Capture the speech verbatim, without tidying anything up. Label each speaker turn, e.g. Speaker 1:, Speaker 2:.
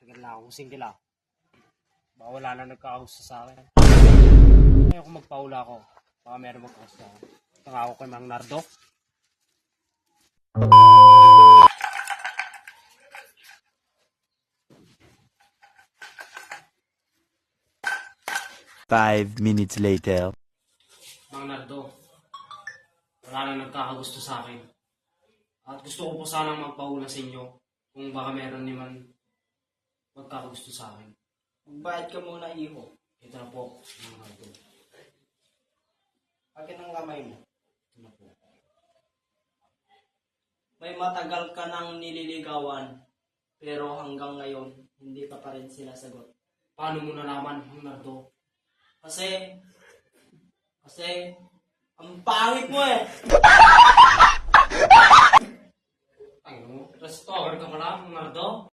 Speaker 1: Tagal na akong single ah. Baka wala na nagkakagusto sa akin. Ayaw ko magpaula ko. Baka meron magkakagusto sa akin. Ito nga ako kay Mang Nardo.
Speaker 2: Five minutes later.
Speaker 1: Mang Nardo, wala na nagkakagusto sa akin. At gusto ko po sanang magpaula sa inyo kung baka meron naman magkakagusto sa akin.
Speaker 3: Magbayad ka muna, iho.
Speaker 1: Ito na po, Mang Nardo.
Speaker 3: Akin ang kamay mo.
Speaker 1: Ito na po.
Speaker 3: May matagal ka nang nililigawan, pero hanggang ngayon, hindi pa pa rin sinasagot.
Speaker 1: Paano mo nalaman, Mang Nardo?
Speaker 3: Kasi, kasi, ang pangit mo eh!
Speaker 1: Ay mo, restore ka pala, Mang Nardo.